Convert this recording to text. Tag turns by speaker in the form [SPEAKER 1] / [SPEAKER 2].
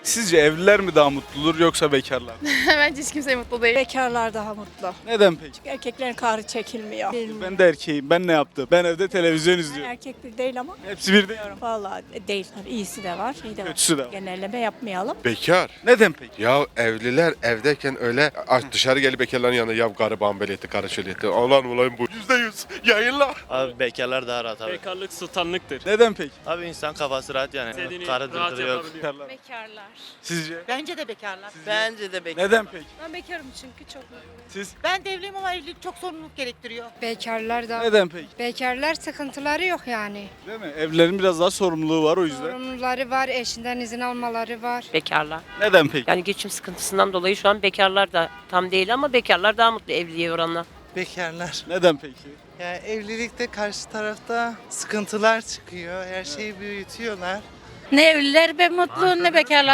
[SPEAKER 1] Sizce evliler mi daha mutludur yoksa bekarlar mı?
[SPEAKER 2] Bence hiç kimse mutlu değil.
[SPEAKER 3] Bekarlar daha mutlu.
[SPEAKER 1] Neden peki?
[SPEAKER 3] Erkeklerin kahrı çekilmiyor.
[SPEAKER 1] Ben de erkeğim. Ben ne yaptım? Ben evde televizyon izliyorum.
[SPEAKER 3] Erkek bir değil ama.
[SPEAKER 1] Hepsi bir değil.
[SPEAKER 3] Vallahi değil. Tabii iyisi de var, iyi de var.
[SPEAKER 1] Kötüsü de var.
[SPEAKER 3] Genelleme yapmayalım.
[SPEAKER 4] Bekar.
[SPEAKER 1] Neden peki?
[SPEAKER 4] Ya evliler evdeyken öyle dışarı gelip bekarların yanında ya karı bambeleti, karı şöyleti. Ulan bu. %100 yayınla.
[SPEAKER 5] Abi bekarlar daha rahat abi.
[SPEAKER 6] Bekarlık sultanlıktır.
[SPEAKER 1] Neden peki?
[SPEAKER 5] Abi insan kafası rahat yani.
[SPEAKER 6] İstediğini
[SPEAKER 5] Karı
[SPEAKER 6] rahat
[SPEAKER 5] dırdırı yok.
[SPEAKER 6] yapabiliyor.
[SPEAKER 1] Bekarlar.
[SPEAKER 2] Bekarlar.
[SPEAKER 1] Sizce?
[SPEAKER 7] Bence de bekarlar.
[SPEAKER 5] Bence de bekar.
[SPEAKER 1] Neden peki?
[SPEAKER 2] Ben bekarım çünkü çok mutluyum.
[SPEAKER 1] Siz?
[SPEAKER 7] Ben de evliyim ama evlilik çok sorumluluk gerektiriyor.
[SPEAKER 8] Bekarlar da
[SPEAKER 1] Neden peki?
[SPEAKER 8] bekarlar sıkıntıları yok yani.
[SPEAKER 1] Değil mi? Evlilerin biraz daha sorumluluğu var o yüzden.
[SPEAKER 8] Sorumluları var, eşinden izin almaları var.
[SPEAKER 9] Bekarlar.
[SPEAKER 1] Neden peki?
[SPEAKER 9] Yani geçim sıkıntısından dolayı şu an bekarlar da tam değil ama bekarlar daha mutlu evliliğe oranla.
[SPEAKER 10] Bekarlar.
[SPEAKER 1] Neden peki?
[SPEAKER 10] Yani evlilikte karşı tarafta sıkıntılar çıkıyor. Her şeyi büyütüyorlar.
[SPEAKER 7] Ne evliler be mutlu ne bekarlar.